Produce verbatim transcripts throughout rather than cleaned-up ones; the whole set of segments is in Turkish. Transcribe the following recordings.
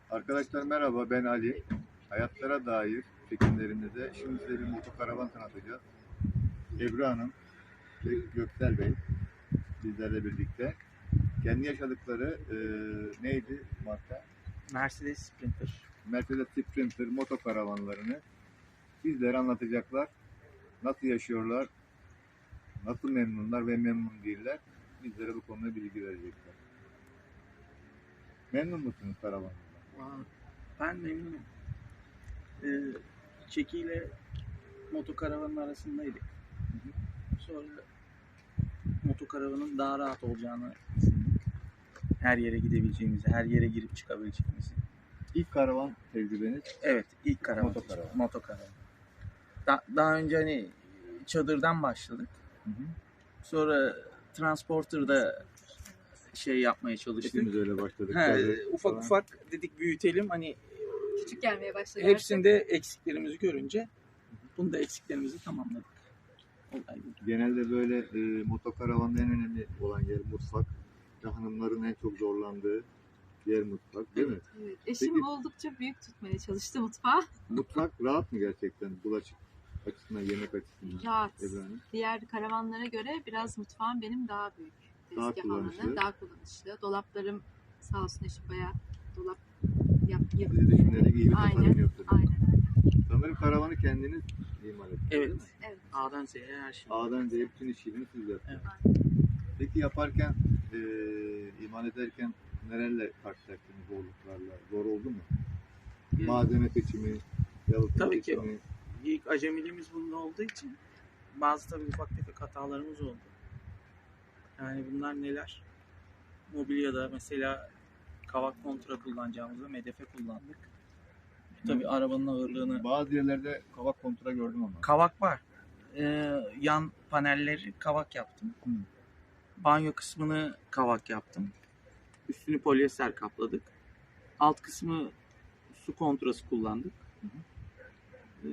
Arkadaşlar merhaba, ben Ali. Hayatlara dair çekimlerimizde şimdi size bir motokaravan tanıtacağız. Ebru Hanım ve Göksel Bey bizlerle birlikte. Kendi yaşadıkları e, neydi marka? Mercedes Sprinter. Mercedes Sprinter motokaravanlarını bizlere anlatacaklar. Nasıl yaşıyorlar, nasıl memnunlar ve memnun değiller. Bizlere bu konuda bilgi verecekler. Memnun musunuz karavanlardan? Ben memnunum. Ee, Çeki ile motokaravanın arasındaydık. Sonra motokaravanın daha rahat olacağını düşündük. Her yere gidebileceğimizi, her yere girip çıkabileceğimizi. İlk karavan tecrübeniz? Evet, ilk karavan. Motokaravan. Motokaravan. Da, daha önce hani çadırdan başladık. Hı hı. Sonra Transporter'da şey yapmaya çalıştık. Hepimiz öyle başladık. He, Çadır ufak falan. ufak dedik büyütelim. Hani küçük gelmeye başladı. hepsinde eksiklerimizi görünce bunu da eksiklerimizi tamamladık. Olay bu. Genelde böyle e, motokaravanda en önemli olan yer mutfak. Hanımların en çok zorlandığı yer mutfak, değil mi? Evet. Eşim Peki, oldukça büyük tutmaya çalıştı mutfağı. mutfak rahat mı gerçekten? Bulaşık açısından, yemek açısından? Rahat. Ebru'nun? Diğer karavanlara göre biraz mutfağım benim daha büyük. Daha Tezgah kullanışlı. alanı daha kullanışlı. Dolaplarım sağ olsun eşim bayağı dolap yap, yap, Siz de düşünerek iyi bir tasarım aynen, yaptınız. aynen. Sanırım karavanı kendiniz imal ettiniz. Evet. Evet. A'dan Z'ye her şey. A'dan Z'ye bütün işini siz yaptınız. Evet. Peki yaparken, e, imal ederken nelerle karşılaştınız zorluklarla? Zor oldu mu? Evet. Malzeme seçimi, yalıtım Tabii ki. seçimi. İlk acemiliğimiz bunda olduğu için bazı tabii ufak tefek hatalarımız oldu. Yani bunlar neler? Mobilyada mesela kavak kontra kullanacağımızda medefe kullandık. Tabii Hı. arabanın ağırlığını... Bazı yerlerde kavak kontra gördüm ama. Kavak var. Ee, yan panelleri kavak yaptım. Hı. Banyo kısmını kavak yaptım. Üstünü polyester kapladık. Alt kısmı su kontrası kullandık. Hı hı. Ee,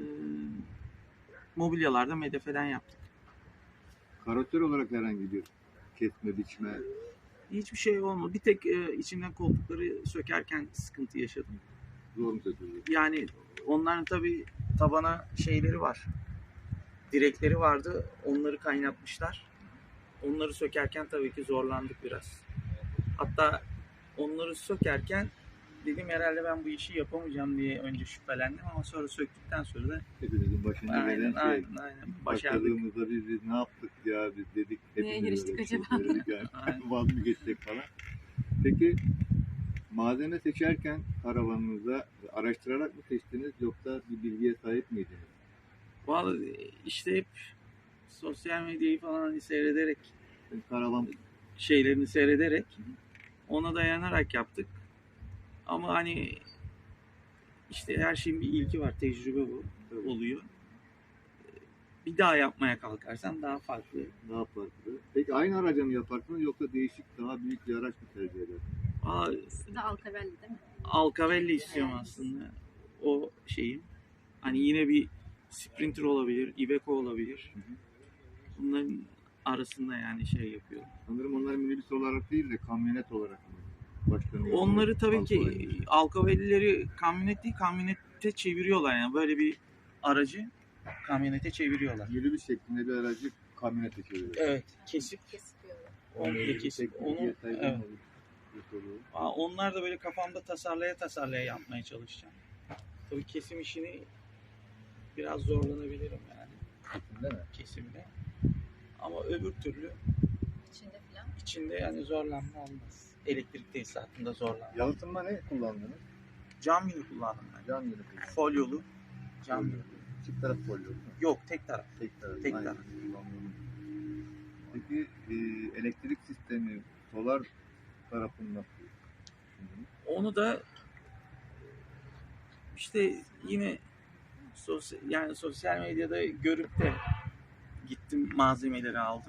mobilyalarda medefeden yaptık. Karakter olarak herhangi bir kesme, biçme. Hiçbir şey olmadı. Bir tek e, içinden koltukları sökerken sıkıntı yaşadım. Zor mu söküldü? Yani onların tabii tabana şeyleri var. Direkleri vardı. Onları kaynatmışlar. Onları sökerken tabii ki zorlandık biraz. Hatta onları sökerken dedim herhalde ben bu işi yapamayacağım diye önce şüphelendim ama sonra söktükten sonra da Hepimizin başına aynen gelen şey. aynen aynen başardık. Başladığımızda biz, biz ne yaptık ya, biz dedik. Neye hepimiz giriştik öyle bir şey acaba? söyledik yani. Aynen. Vaz mı geçecek falan. Peki malzeme seçerken karavanınıza araştırarak mı seçtiniz yoksa bir bilgiye sahip miydiniz? Vallahi işte hep sosyal medyayı falan hani seyrederek Yani karavan şeylerini seyrederek ona dayanarak yaptık. Ama hani işte her şeyin bir ilki var. Tecrübe bu oluyor. Bir daha yapmaya kalkarsan daha farklı. daha farklı. Peki aynı araca mı yaparsınız yoksa değişik daha büyük bir araç mı tercih edersiniz? Aa, İkisi de Alcavelli değil mi? Alcavelli istiyorum Evet. aslında. O şeyim. Hani yine bir Sprinter olabilir, Iveco olabilir. Hı hı. Bunların arasında yani şey yapıyorum. Sanırım onlar minibüs olarak değil de kamyonet olarak mı başlanıyor? Onları tabii ki Alcavelli. Alcavelli'leri kamyonet değil, kamyonete çeviriyorlar yani. Böyle bir aracı kamyonete çeviriyorlar. Minibüs şeklinde bir aracı kamyonete çeviriyor. Evet, kesip Kesiyor. komple kesip onu evet. Aa, onlar da böyle kafamda tasarlaya tasarlaya yapmaya çalışacağım. Tabii kesim işini biraz zorlanabilirim yani. Kesimde mi? Kesimde. Ama öbür türlü İçinde falan. içinde yani zorlanma olmaz. Elektrik tesisatında zorlanma. Yalıtımda ne kullandınız? Cam yünü kullandım ben. Cam yünü kullandınız. Folyolu. Cam Folyo. yünü. Çift taraf folyo değil mi? Yok, tek taraf. Tek taraf. Tek Aynen. taraf. Peki e, elektrik sistemi solar tarafını nasıl düşündünüz? Onu da işte yine sosyal, yani sosyal medyada görüp de gittim malzemeleri aldım.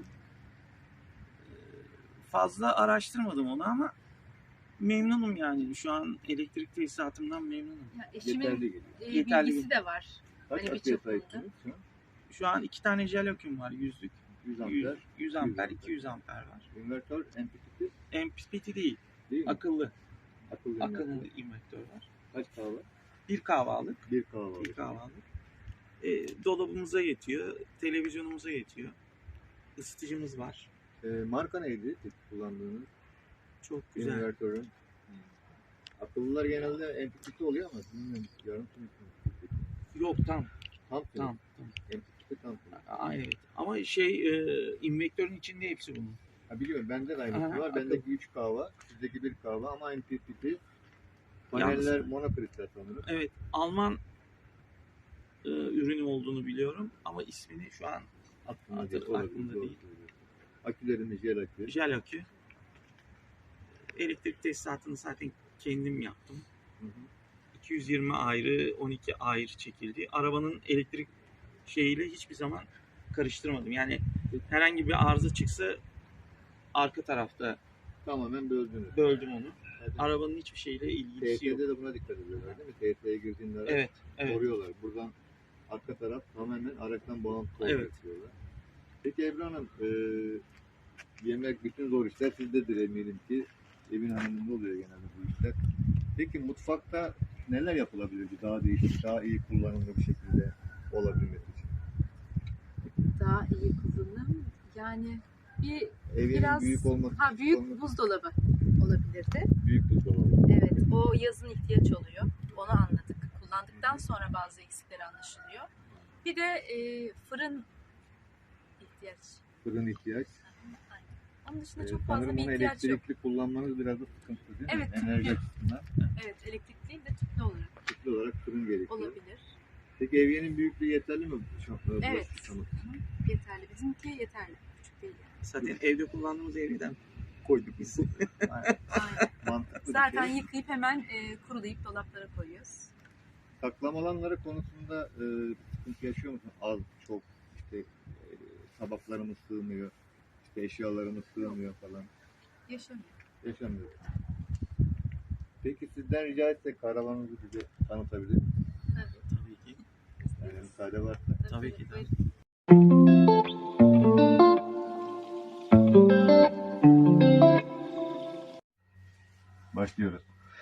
Fazla araştırmadım onu ama memnunum yani. Şu an elektrik tesisatımdan memnunum. Ya eşimin Yeterli geliyor. e, Yeterli. bilgisi de var. Kaç Hani bir aküye çapında. sahipsiniz şu an? Şu an iki tane jeloküm var. Yüzlük. yüz yüz, amper. yüz amper, amper. iki yüz amper var. İnvertör M P P T M P P T değil. değil mi? Akıllı. Akıllı Akıllı invertör. invertör var. Kaç kahve? Bir kahvalık. Bir kahve. Bir kahvalık. E, dolabımıza yetiyor. Televizyonumuza yetiyor. Isıtıcımız var. E, marka neydi kullandığınız? Çok güzel. Invertörün. Akıllılar genelde M P piti oluyor ama bilmiyorum. Yarım tüm Yok tam. Tam tüm. Tam. tam. M P piti tam tüm. Aynen. Evet. Ama şey e, invektörün içinde hepsi bunun. Ha biliyorum bende de aynısı Aha, var. akıllı. Bendeki üç kahve, sizdeki bir kahve ama M P piti. Paneller Yalnız- monokristal sanırım. Evet. Alman e, ürünü olduğunu biliyorum ama ismini şu an Aklımda Artık değil. olabilir, aklımda doğru değil. söylüyorsun. Akülerimiz jel akü. jel akü. Elektrik tesisatını zaten kendim yaptım. Hı hı. iki yüz yirmi ayrı, on iki ayrı çekildi. Arabanın elektrik şeyiyle hiçbir zaman karıştırmadım. Yani herhangi bir arıza çıksa arka tarafta Tamamen böldünüz. böldüm onu. Zaten Arabanın hiçbir şeyle ilgisi yok. T T'de de buna dikkat ediyorlar değil mi? T T'ye girdiğinde araç Evet, evet. koruyorlar. Buradan arka taraf tamamen araçtan bağımsız olarak Evet. diyorlar. Peki Ebru Hanım, e, yemek bütün zor işler sizdedir eminim ki. Evin hanımında oluyor genelde bu işler. Peki mutfakta neler yapılabilir ki daha değişik, daha iyi kullanımlı bir şekilde olabilmesi için? Daha iyi kullanım. Yani bir Evin biraz büyük olması ha büyük olması- buzdolabı olabilirdi. büyük buzdolabı. Evet, o yazın ihtiyaç oluyor. Onu anladık. Kullandıktan sonra bazı eksikleri anlaşılıyor. Bir de e, fırın ihtiyaç. Fırın ihtiyaç. Aynen. Onun dışında Ee, çok fazla sanırım bir onu ihtiyaç yok. elektrikli kullanmanız biraz da sıkıntı değil Evet, mi? Enerji tüplü. açısından Evet, elektrik değil de tüplü olarak tüplü olarak fırın gerekiyor. olabilir. Peki evyenin büyüklüğü yeterli mi? Şu, Evet. Şu, şu, Yeterli. Bizimki yeterli. Küçük değil yani. Zaten evde kullandığımız evden koyduk biz. Aynen. Mantıklı Zaten bir şey. yıkayıp hemen e, kurulayıp dolaplara koyuyoruz. Saklama alanları konusunda e, sıkıntı yaşıyor musun? Az, çok, işte e, tabaklarımız sığmıyor, işte eşyalarımız sığmıyor falan. Yaşamıyor. Yaşamıyor. Peki sizden rica etsek karavanınızı bize tanıtabilir misiniz? Tabii. tabii ki. Yani müsaade varsa. Tabii ki de. Buyurun. Başlıyoruz.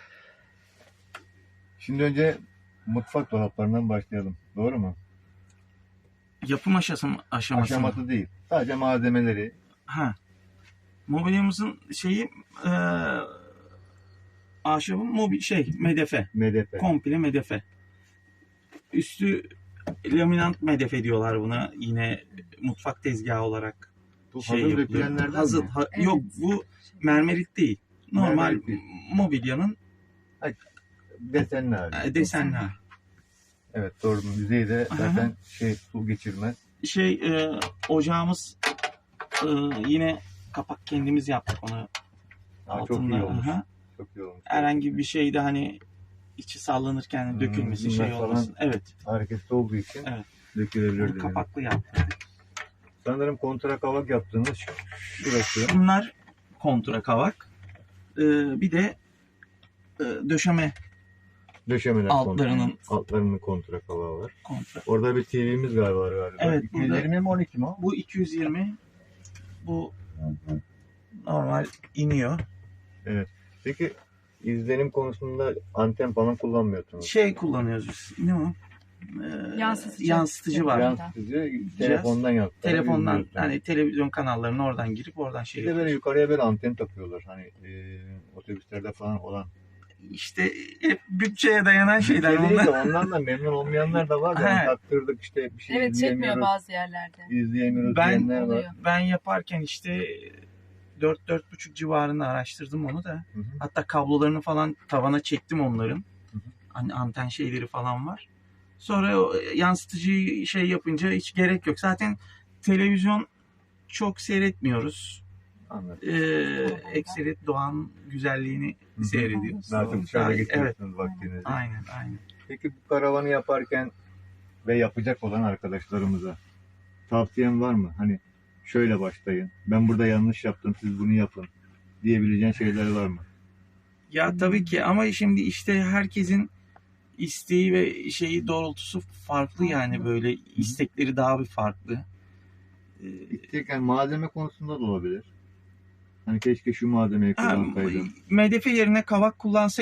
Şimdi önce mutfak dolaplarından başlayalım. Doğru mu? Yapım aşaması, aşaması. mı? Aşaması değil. Sadece malzemeleri. Ha. Mobilyamızın şeyi e, ahşabın mobil şey medefe. M D F. Komple medefe. Üstü laminant medefe diyorlar buna. Yine mutfak tezgahı olarak Bu şey hazır yapılıyor. dökülenlerden Hazır. mi? ha- Evet. Yok bu mermerit değil. Normal Mermerit değil. mobilyanın Desenli hali. e, desenli. hali. Evet doğru. Yüzeyde Aha. zaten şey su geçirmez. Şey e, ocağımız e, yine kapak kendimiz yaptık onu. Aa, çok Altında, iyi olmuş. aha. Çok iyi olmuş. Herhangi bir şeyde hani içi sallanırken Hmm, dökülmesin bunlar şey falan olmasın. Evet. Hareketli olduğu için Evet. dökülebilir Onu dedim. kapaklı yaptık. Sanırım kontra kavak yaptığınız şu- şurası. Bunlar kontra kavak. Ee, bir de e, döşeme Döşemeler altlarının kontra. Altlarının kontra kavağı var. kontra. Orada bir T V'miz galiba var galiba. Evet, iki yüz yirmi mi on iki mi o? Bu iki yüz yirmi, bu normal iniyor. Peki izlenim konusunda anten falan kullanmıyorsunuz. Şey kullanıyoruz biz. Ne o? Ee, Yansıtıcı. yansıtıcı var. Yan- Yansıtıcı telefondan yansıtıyor. Telefondan hani televizyon kanallarına oradan girip oradan şey Bir de böyle yapıyoruz. yukarıya böyle anten takıyorlar. Hani e, otobüslerde falan olan. İşte hep bütçeye dayanan şeyler Şey değil de onlar. ondan da memnun olmayanlar da var. da He. taktırdık işte bir şey Evet, çekmiyor izleyemiyoruz. bazı yerlerde. İzleyemiyoruz Ben- diyenler var. Oluyor. Ben yaparken işte dört dört buçuk civarında araştırdım onu da. Hı hı. Hatta kablolarını falan tavana çektim onların. Hı hı. Hani anten şeyleri falan var. Sonra o yansıtıcıyı şey yapınca hiç gerek yok. Zaten televizyon çok seyretmiyoruz. Anladım. Ee, ekseret doğanın güzelliğini Hı hı. seyrediyoruz. Daha çok dışarıda Evet, geçiriyorsunuz vaktinizi. aynen aynen. Peki bu karavanı yaparken ve yapacak olan arkadaşlarımıza tavsiyen var mı? Hani şöyle başlayın. Ben burada yanlış yaptım. Siz bunu yapın. Diyebileceğin şeyler var mı? Ya tabii ki ama şimdi işte herkesin isteği ve şeyi doğrultusu farklı yani böyle istekleri daha bir farklı. Ee, İsterken malzeme konusunda da olabilir. Hani keşke şu malzemeyi Ha, kullansaydım. medefe yerine kavak kullansaydım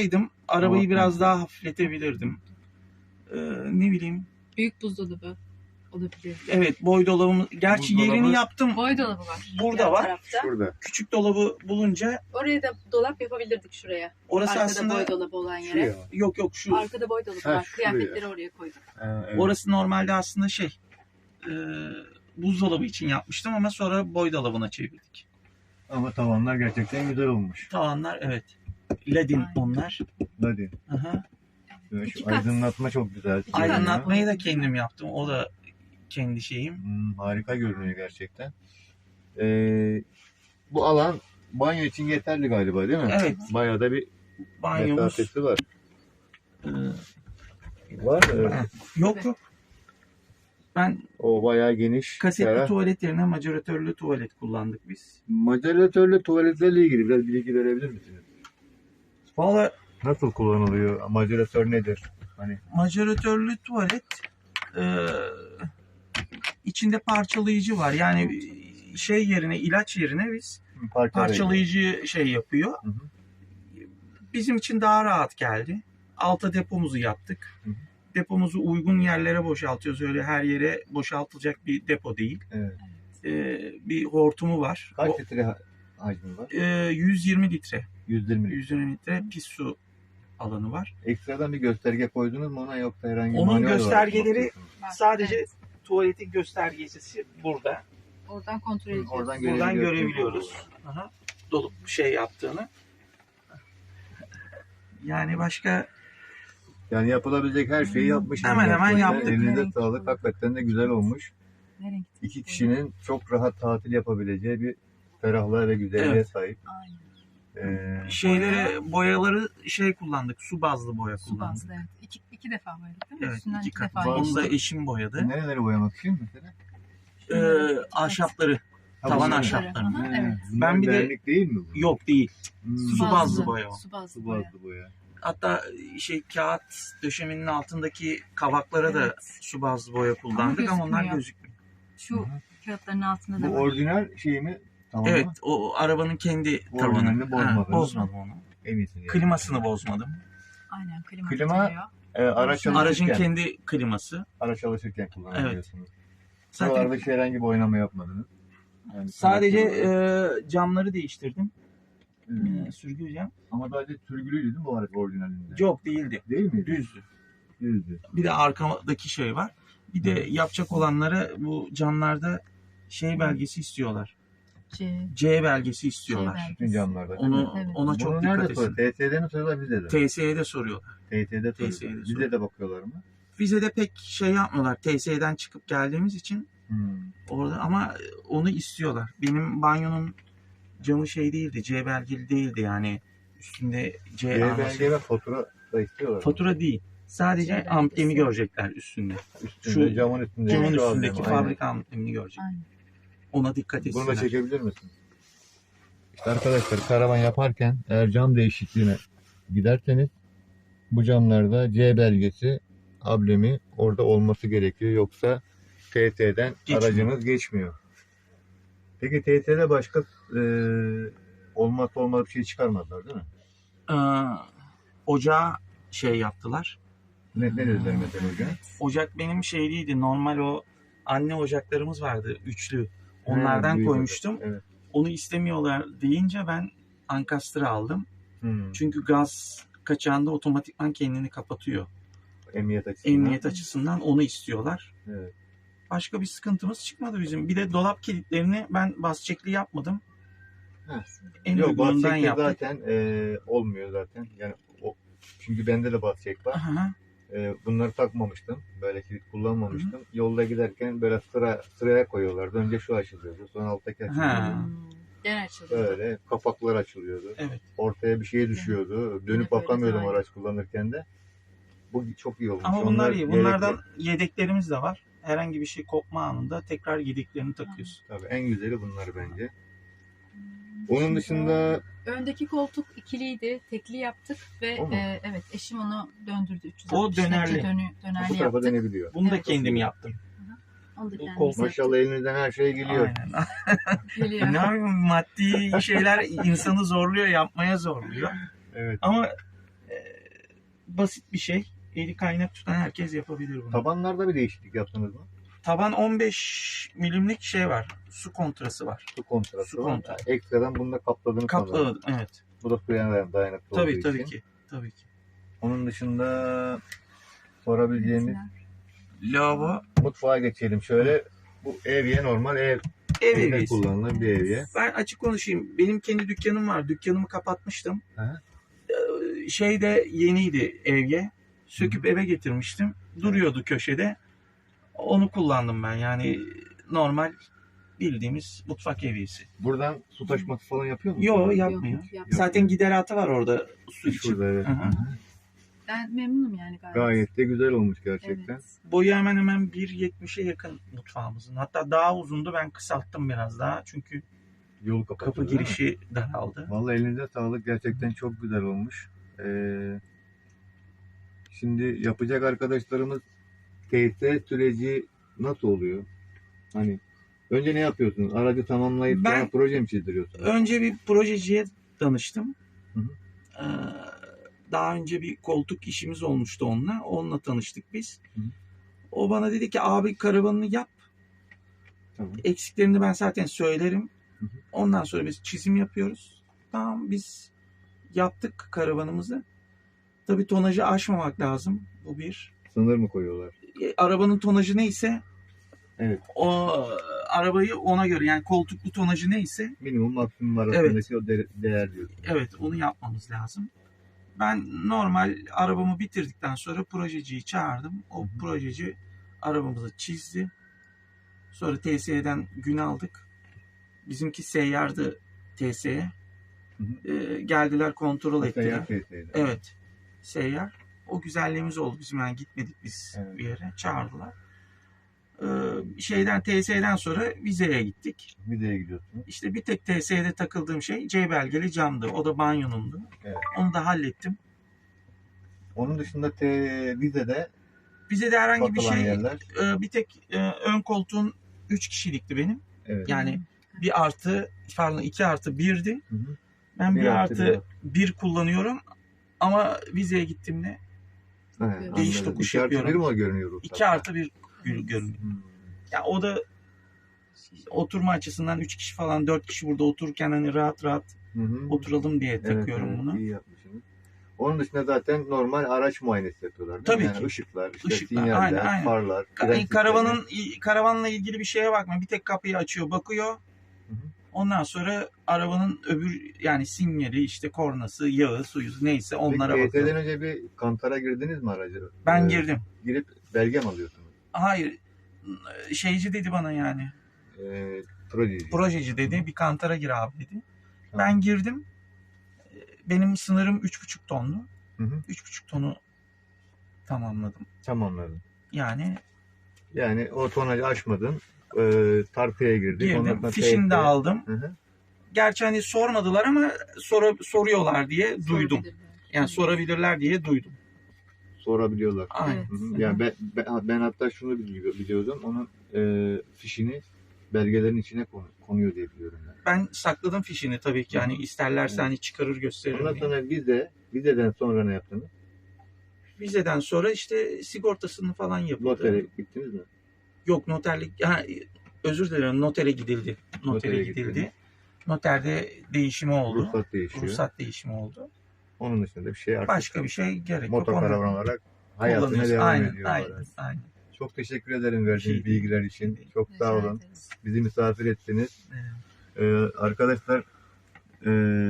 arabayı Tamam. biraz daha hafifletebilirdim. Ee, ne bileyim. Büyük buzdolabı olabilir. Evet, boy dolabımız. Gerçi Buzdolabı- yerini yaptım. Boy dolabı var. Burada yan var. tarafta. Şurada. Küçük dolabı bulunca Oraya da dolap yapabilirdik şuraya. orası Arkada aslında boy dolabı olan yere. Şuraya. yok yok şu. Arkada boy dolabı Ha, var. şuraya. Kıyafetleri oraya koyduk. Ha, evet. Orası normalde aslında şey. E, buzdolabı için yapmıştım ama sonra boy dolabına çevirdik. Ama tavanlar gerçekten güzel olmuş. Tavanlar evet. Ledin Aynen. onlar. Hadi. Aha. Evet, İki şu kat. aydınlatma çok güzel. İki kat. Aydınlatmayı da kendim yaptım. O da kendi şeyim. Hmm, harika görünüyor gerçekten. Ee, bu alan banyo için yeterli galiba değil mi? Evet. Bayağı da bir Banyomuz. mesafesi var. e, Var mı? yok yok. Ben O bayağı geniş. kasetli ferah. tuvalet yerine majoratörlü tuvalet kullandık biz. Majoratörlü tuvaletlerle ilgili biraz bilgi verebilir misiniz? Valla Nasıl kullanılıyor? Majoratör nedir? Hani majoratörlü tuvalet e, içinde parçalayıcı var. Yani şey yerine ilaç yerine biz parçalayıcı. parçalayıcı şey yapıyor. Hı hı. Bizim için daha rahat geldi. Alta depomuzu yaptık. Hı hı. Depomuzu uygun yerlere boşaltıyoruz. Öyle her yere boşaltılacak bir depo değil. Evet. Ee, bir hortumu var. Kaç O, litre ha- hacmi var? e, yüz yirmi litre. yüz yirmi litre. yüz yirmi litre pis su alanı var. Ekstradan bir gösterge koydunuz mu ona yoksa herhangi bir Onun manuel olarak mı göstergeleri- bakıyorsunuz? Var. Sadece Evet. tuvaletin göstergesi burada. Oradan kontrol Hı, ediyoruz. oradan Buradan görebiliyorsunuz. görebiliyoruz. Aha. Dolup şey yaptığını. Yani başka Yani yapılabilecek her şeyi yapmışsınız. Hemen hemen gerçekten. yaptık. Elinize Evet. sağlık. Hakikaten de güzel olmuş. Nereye gittik? İki kişinin çok rahat tatil yapabileceği bir ferahlığa ve güzelliğe Evet. sahip. Aynen. Ee, şeyleri boyaları şey kullandık. Su bazlı boya Su kullandık. bazlı evet. İki, iki defa boyadık değil mi? Evet, Üstünden iki iki, kat. defa Bazı- Onu da geçti. eşim boyadı. nereleri boyamak için mesela? Ee, ahşapları. Ha, Tavan bunlar- ahşapları. Aha, evet. Bunlar Ben bir de- vernik değil mi bu? Yok değil. Hmm, Su bazlı boya o. Su bazlı Su boya. bazlı boya. Hatta şey kağıt döşemenin altındaki kavaklara da Evet. su bazlı boya kullandık ama, onlar gözükmüyor. gözükmüyor. Şu Hı hı. kağıtların altında Bu da var. orijinal şey mi? Tamam Evet, mı? o arabanın kendi Orijinalini tavanı. bozmadınız. Ha, bozmadım onu. En iyisini. yani. Klimasını bozmadım. Aynen klima, Klima- tutuyor. Ee, araç çalışırken, Aracın kendi kliması. araç çalışırken kullanabiliyorsunuz. Zaten Buralarda hiç herhangi bir oynama yapmadınız. Yani sadece kliması- e, camları değiştirdim. Hmm. E, sürgü cam. Ama sadece sürgülüydü değil mi bu araç orijinalinde? Yok değildi. Değil mi? Düzdü. Düzdü. Bir de arkadaki şey var. Bir de yapacak olanlara bu camlarda şey belgesi istiyorlar. C. C belgesi istiyorlar. belgesi. Bütün camlarda. değil Onu mi? Evet. ona çok Bunu dikkat nerede etsin. soruyor? T S'de mi soruyorlar bize de? T S'ye soruyorlar. T S'de T S'de soruyorlar. Bize soruyor. de bakıyorlar mı? Vizede pek şey yapmıyorlar. T S'den çıkıp geldiğimiz için Hmm. orada ama onu istiyorlar. Benim banyonun camı şey değildi. C belgeli değildi yani. Üstünde C C arması. belge ve fatura da istiyorlar. Fatura değil. Sadece C belgesi. amblemi görecekler üstünde. Üstünde, şu camın üstünde. Camın şu üstündeki amblemi, aynen. fabrika amblemini görecek. Aynen. Ona dikkat Bunu da etsinler. çekebilir misin? İşte arkadaşlar karavan yaparken eğer cam değişikliğine giderseniz bu camlarda C belgesi, ablemi orada olması gerekiyor. Yoksa T T'den Geçmiyor. aracınız geçmiyor. Peki T T'de başka e, olmazsa olmaz bir şey çıkarmadılar değil mi? Ee, ocağa şey yaptılar. Ne, ne dediler mesela hocam? Ocak benim şeyliydi. Normal o anne ocaklarımız vardı. Üçlü. Onlardan Ha, büyük koymuştum. ocak, Evet. Onu istemiyorlar deyince ben Ankastre aldım. Hmm. Çünkü gaz kaçağında otomatikman kendini kapatıyor. Emniyet açısından. Emniyet açısından onu istiyorlar. Evet. Başka bir sıkıntımız çıkmadı bizim. Bir de dolap kilitlerini ben bas çekli yapmadım. Heh. En Yok uygunundan bahçekte yaptık. zaten e, olmuyor zaten. Yani o, çünkü bende de bahçek var. Aha. E, bunları takmamıştım. Böyle kilit kullanmamıştım. Yolda giderken böyle sıra sıraya koyuyorlardı. Önce şu açılıyordu. Sonra alttaki açılıyordu. Ha. Hmm. Gene açılıyor. Böyle kapaklar açılıyordu. Evet. Ortaya bir şey düşüyordu. Dönüp böyle bakamıyordum zaten. araç kullanırken de. Bu çok iyi olmuş. Ama bunlar Onlar iyi. gerekli. Bunlardan yedeklerimiz de var. Herhangi bir şey kopma anında tekrar yedeklerini takıyorsun. Tabii en güzeli bunlar bence. Onun dışında Öndeki koltuk ikiliydi. Tekli yaptık ve O mu? e, evet eşim onu döndürdü. üç yüz O altmış derece dönerli. Dönü, bu dönerli tarafa yaptık. dönebiliyor. Bunu da Evet. kendim yaptım. Onu da Bu kendimiz kol- yaptık. Maşallah elinizden her şey geliyor. Aynen. Geliyor. Ne yapayım, maddi şeyler insanı zorluyor, yapmaya zorluyor. Evet. Ama e, basit bir şey. Eli kaynak tutan herkes yapabilir bunu. Tabanlarda bir değişiklik yaptınız mı? Taban on beş milimlik şey var. Su kontrası var. Su kontrası Su var. kontrası. Ekstradan bunu da kapladınız. sanırım. Kapladım. Evet. Bu da suya dayanıklı Tabii olduğu tabii için. ki. Tabii ki. Onun dışında sorabileceğimiz Lavabo mutfağa geçelim. Şöyle bu evye normal ev ev evde eviyesi. kullanılan bir evye. Ben açık konuşayım. Benim kendi dükkanım var. Dükkanımı kapatmıştım. Hı. Ee, Şey de yeniydi evye. Söküp eve getirmiştim. Duruyordu köşede. Onu kullandım ben. Yani normal bildiğimiz mutfak evyesi. Buradan su taşması falan yapıyor musun? Yo yapmıyor. Yok, yok. Zaten gideratı var orada su için. Şurada evet. Hı hı. Ben memnunum yani gayet. Gayet de güzel olmuş gerçekten. Evet. Boyu hemen hemen bir yetmişe yakın mutfağımızın. Hatta daha uzundu, ben kısalttım biraz daha. Çünkü Yolu kapatıyor. kapı değil mi? girişi daraldı. Vallahi elinize sağlık. Gerçekten çok güzel olmuş. Ee, şimdi yapacak arkadaşlarımız T S süreci nasıl oluyor? Hani önce ne yapıyorsunuz? Aracı tamamlayıp Ben- sonra proje mi çizdiriyorsunuz? Önce bir projeciye danıştım. Hı hı. Ee, Daha önce bir koltuk işimiz olmuştu onunla. Onunla tanıştık biz. Hı hı. O bana dedi ki abi karavanını yap. Tamam. Eksiklerini ben zaten söylerim. Hı hı. Ondan sonra biz çizim yapıyoruz. Tamam, biz yaptık karavanımızı. Tabii tonajı aşmamak lazım. Bu bir. Sınır mı koyuyorlar? E, arabanın tonajı neyse Evet. o arabayı ona göre, yani koltuklu tonajı neyse Minimum maksimum arasındaki o de- değer diyorsun. evet onu yapmamız lazım. Ben normal arabamı bitirdikten sonra projeciyi çağırdım. O Hı hı. projeci arabamızı çizdi. Sonra T S E'den gün aldık. Bizimki seyyardı T S'ye. Hı hı. Ee, geldiler, kontrol ettiler. Seyyar T S'ydi. Evet. Seyyar. O güzelliğimiz oldu bizim, yani gitmedik biz Evet. bir yere. Çağırdılar. Ee, şeyden T S E'den sonra vizeye gittik. Vizeye gidiyorsunuz. İşte bir tek T S E'de takıldığım şey C belgeli camdı. O da banyonumdu. Evet. Onu da hallettim. Onun dışında T vizede Vizede herhangi bir bakılan şey, yerler. e, bir tek e, ön koltuğun üç kişilikti benim. Evet. Yani bir artı, pardon iki artı birdi. Hı hı. Ben bir, Bir artı artı bir kullanıyorum. Ama vizeye gittiğimde Evet, Değiş anladım. tokuş İki artı yapıyorum. bir mi görünüyor ruhsatta? iki artı bir görünüyor. Hmm. Ya o da oturma açısından üç kişi falan, dört kişi burada otururken hani rahat rahat Hı hı. oturalım diye Evet, takıyorum evet, bunu. iyi yapmışsınız. Onun dışında zaten normal araç muayenesi yapıyorlar değil Tabii mi? Yani ki. ışıklar, işte Işıklar, sinyaller, aynen, aynen. farlar, Ka- fren Karavanın karavanla ilgili bir şeye bakma. Bir tek kapıyı açıyor, bakıyor. Hı hı. Ondan sonra arabanın öbür, yani sinyali, işte kornası, yağı, suyu neyse onlara Peki T S'den bakıyor. önce bir kantara girdiniz mi aracı? Ben Ee, girdim. Girip belge mi alıyorsunuz? Hayır. Şeyci dedi bana yani. Ee, projeci. Projeci dedi. Bir kantara gir abi dedi. Tamam. Ben girdim. Benim sınırım üç buçuk tondu. Hı hı. üç buçuk tonu tamamladım. Tamamladım. Yani Yani o tonajı aşmadın. Ee, tartıya girdin. Ondan girdim. sonra Fişini de T S. aldım. Hı hı. Gerçi hani sormadılar ama sor, soruyorlar diye duydum. Sorabilirler. Yani sorabilirler diye duydum. Sorabiliyorlar. Aynen. Evet. Hı hı. Yani ben, ben, ben hatta şunu bili- biliyordum. Onun e, fişini belgelerin içine konu- konuyor diye biliyorum. Yani. Ben sakladım fişini tabii ki. Yani isterlerse Evet. hani çıkarır gösteririm Ondan diye. sonra vize, vizeden sonra ne yaptınız? Vizeden sonra işte sigortasını falan yapıldı. Notere gittiniz mi? Yok, noterlik. Ha, özür dilerim, notere gidildi. Notere, Notere gidildi. gidildi. Noterde değişimi oldu. Ruhsat değişiyor. Ruhsat değişimi oldu. Onun dışında bir şey artık Başka bir şey gerek yok. motokaravan Onu olarak hayatına kullanıyoruz. devam Aynen, ediyor. aynen, olarak. aynen. Çok teşekkür ederim verdiğiniz şey değil. bilgiler için. Çok Rica sağ olun. ederiz. Bizi misafir ettiniz. Evet. Ee, arkadaşlar e,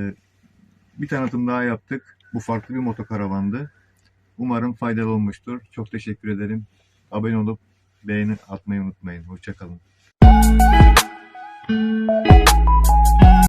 bir tanıtım daha yaptık. Bu farklı bir motokaravandı. Umarım faydalı olmuştur. Çok teşekkür ederim. Abone olup beğeni atmayı unutmayın. Hoşça kalın.